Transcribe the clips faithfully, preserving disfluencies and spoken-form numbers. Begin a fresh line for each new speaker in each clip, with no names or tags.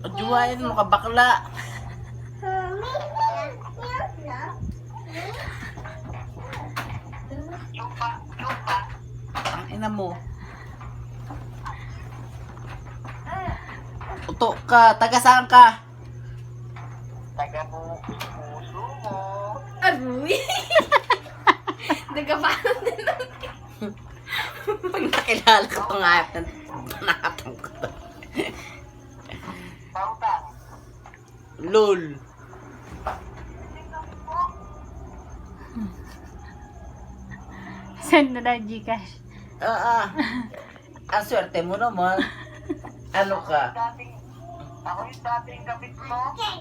Juwain mo ka bakla.
Chupa, chupa.
Ang ina mo. Uto ka. Taga saan ka?
Taga mo, puso mo.
Aruy! Nagkapaano din lang.
Pag nakilala ko itong hayop na nakatang ko to.
Pautang.
Lol.
Send na na Gcash.
Ah, ah. Ang swerte mo naman. Ano ka?
Dating, ako yung dating kapit mo.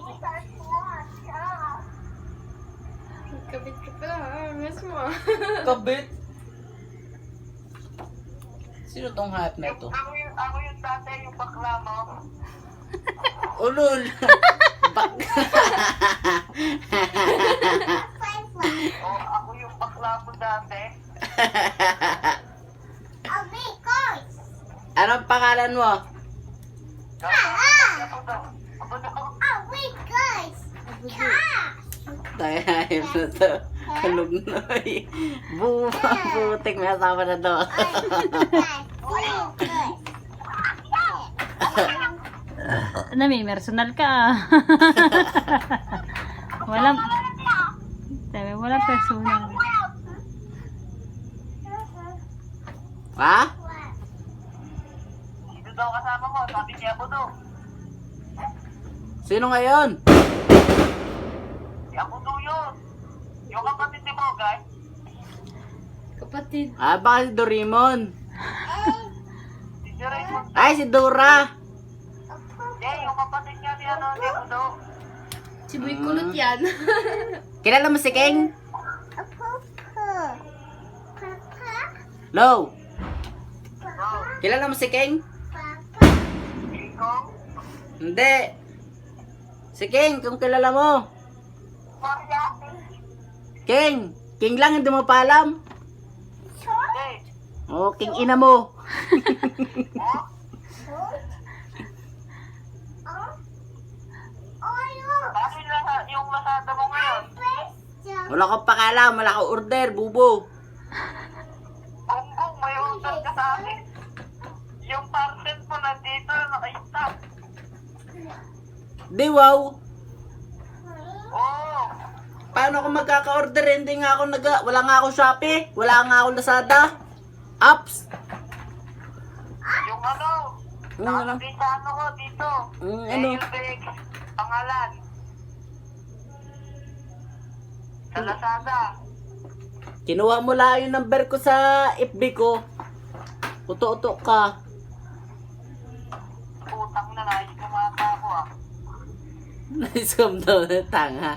Kabit ka pala, ha? Miss mo.
Kabit. Sino tong hayop na
Yung,
ito?
ako yung, ako yung dati yung bakla mo.
Ulol. Bak.
O, ako yung bakla mo dati.
Anong pangalan mo?
Ako daw. Ako daw.
Tayo hayop na to. Kalugnoy. Bu butik may asawa na to.
Ano, may personal ka ah. Walang, sabi, walang personal.
Ha?
Sino daw kasama mo? Sabi niya ako daw.
Sino ngayon?
Si ako daw yun. Yung kapatid ni mo, guys.
Kapatid.
Ah, baka si Doraemon.
Si si Raymond.
Ay, si Dora.
Hindi, yung kapatid niya ni ano, ni ako daw.
Si Boy Kulot yan.
Kilala mo si King? Low.
No.
Kilala mo si King?
Ikaw?
Hindi. Si King, kung kilala mo.
Maria.
King. King lang, hindi mo pa alam.
Hindi.
Oh, King ina mo.
Oh? Bakit lang yung masada mo ngayon?
Wala kang pakalam, wala kang order, bubo.
Gonggong, may order ka sa akin. Yung parcel mo nandito, naka-stop.
Di wow.
Oo.
Paano ako magkaka-order? Hindi nga ako nag... Wala nga ako Shopee. Wala nga ako Lazada. Apps.
Yung ano,
Yung ano?
nakalagay sa ano ko dito.
Mm, ano?
Mailbag, pangalan. Sa Lazada.
Kinuha mo lang yung number ko sa F B ko. Uto-uto ka.
Putang na, nais kumata ako ah.
Naiscam daw na tanga.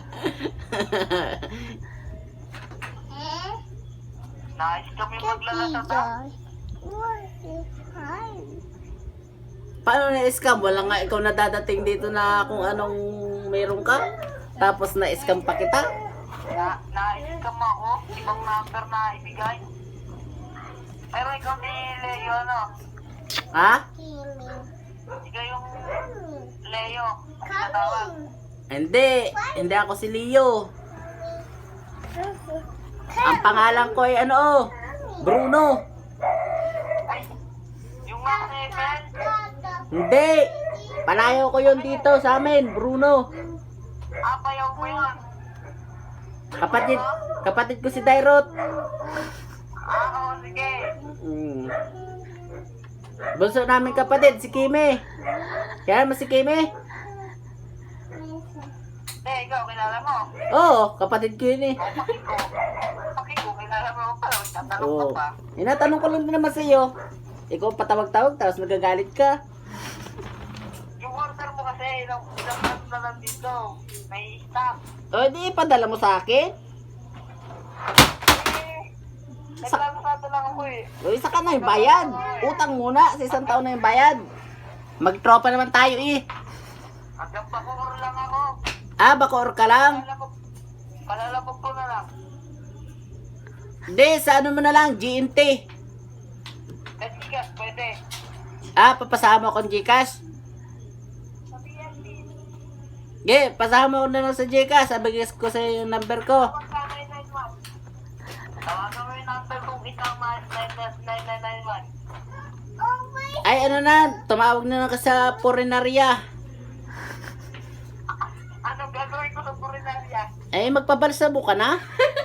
Nais kami maglalasada.
Paano na-scam? Wala nga ikaw nadadating dito na kung anong meron ka. Tapos na-scam pa kita.
Na, nais ka mo ako, ibang number na ibigay. Pero ikaw ni Leo, ano?
Ha?
Ikaw yung Leo. Ang tawag.
Hindi. Hindi ako si Leo. Ang pangalan ko ay ano? Bruno.
Ay, yung nga si Mel.
Hindi. Palayo ko yun dito sa amin. Bruno.
Ah, payaw mo yun.
Kapatid, kapatid ko si Dairot.
Ah, oo, sige.
Mm. Bunso namin kapatid, si Kimi. Kaya mo si Kimi?
Hindi, ikaw, kilala mo.
Oo, kapatid ko yun eh.
O, pakiko. Pakiko, kilala mo ako pala. Magtatanong ka
Oo.
pa.
Inatanong ko lang din naman sa iyo. Ikaw patawag-tawag, tapos magagalit ka.
Yung order mo kasi, ilang, ilang ano na lang dito. May stop.
O, di ipadala mo sa akin.
Eh, naglalasada lang ako eh.
O, isa ka na yung bayad. Utang muna, sa isang taon na yung bayad. Magtropa naman tayo eh.
Hanggang pakukor lang ako.
Ah, bakor ka lang?
Palalabog, palalabog ko na lang.
Hindi, sa ano mo na lang, G M T.
Eh, sige, pwede.
Ah, papasama ko ang Gcash. Ge, pasama ko na lang sa Gcash. Sabi ko sa yung number ko.
Tawagan mo yung number kung ikaw nine nine nine one.
Ay, ano na, tumawag na lang ka sa Purinaria.
Anong gagawin ko sa Purinaria?
Ay, magpabalsamo ka na?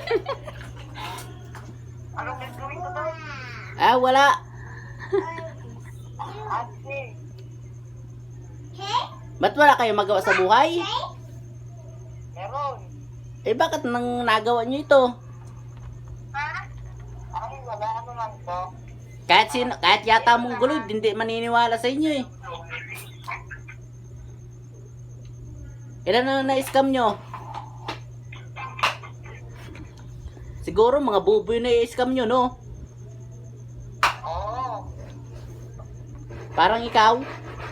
Anong gagawin ko doon?
Ah, wala.
Ate,
Ba't wala kayong magawa sa buhay?
meron.
Eh, bakit nang nagawa nyo ito?
Ay, wala ano lang to.
Kahit, sino, kahit yata mong gulo, hindi maniniwala sa inyo eh. Ilan na na-scam nyo? Siguro mga buboy na i-scam nyo, no?
Oo.
Parang ikaw.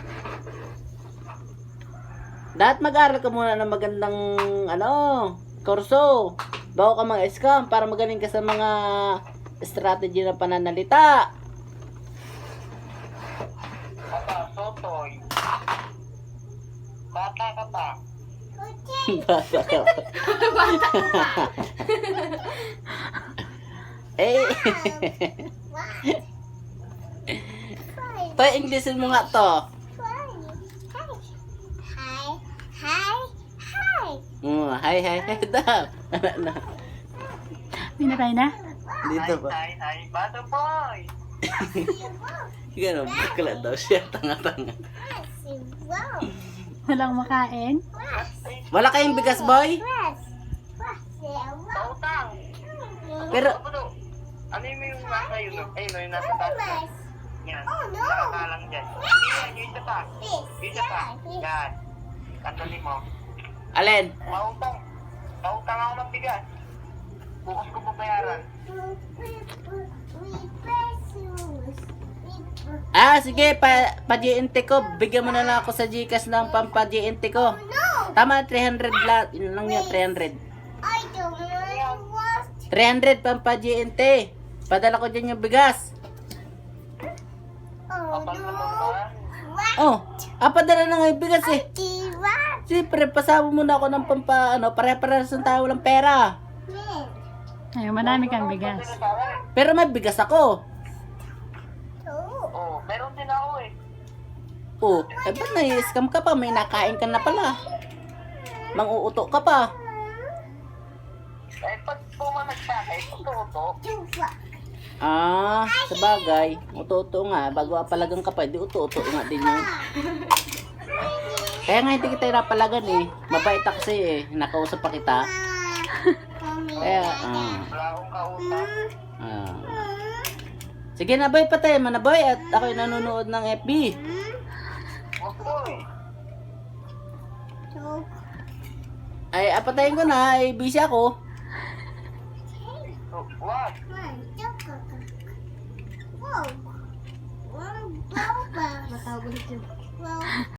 Dapat mag-aral ka muna ng magandang, ano, kurso. Bago ka mga scam para magaling ka sa mga strategy ng pananalita.
Bata, sotoy. Bata ka pa.
Bata ka. Eh. Pa Englishin mo nga to. Mm, hi, hi, hi daw. Ano, ano.
Pinatay na?
Dito ba?
Hi, hi, bata boy.
Gano'n, bakla daw siya. Tanga-tanga.
Walang makain?
Wala kayong bigas, boy?
Pautang.
Pero,
Ano? Ano yung yung nasa yun? Ayun, yung nasa taas. Yan. Nakakalang dyan. Hindi yan, yung isa pa. Yung isa pa. Yan. Tandali mo.
alin?
Pautang. Pautang ako ng bigas. Bukas ko pabayaran.
Ah, sige, pa, pa-G N T ko. Bigyan mo na lang ako sa Gcash ng pampa-G N T ko. Tama, three hundred lang. Yun lang yun, three hundred. three hundred pampa-G N T. Padala ko dyan yung bigas.
Kapal naman ba?
Oh, ah, padala na nga yung bigas eh. Siyempre, pasama muna ako ng pampa, ano, pare-parehas ng tayo walang pera.
Ay, marami kang bigas.
Pero may bigas ako.
Oo, meron din ako eh.
Oh, eh ba't na-scam ka pa? May nakain ka na pala. Mang-uuto ka pa.
Eh, pag pumanag sa akin, tuto.
Ah, sabagay. Uto-uto nga. Bago apalagan ka pa, di uto-uto nga din yun. Kaya nga hindi kita napalagan eh. Mabait ako sa'yo eh. Nakausap pa kita. Kaya, ah.
Wala akong kausap.
ah. Sige na boy, patay mo na boy. At ako'y nanonood ng F B.
Wag boy.
Ay, apatayin ko na. Ay, busy ako.
Wag.
Matawag ulit yun.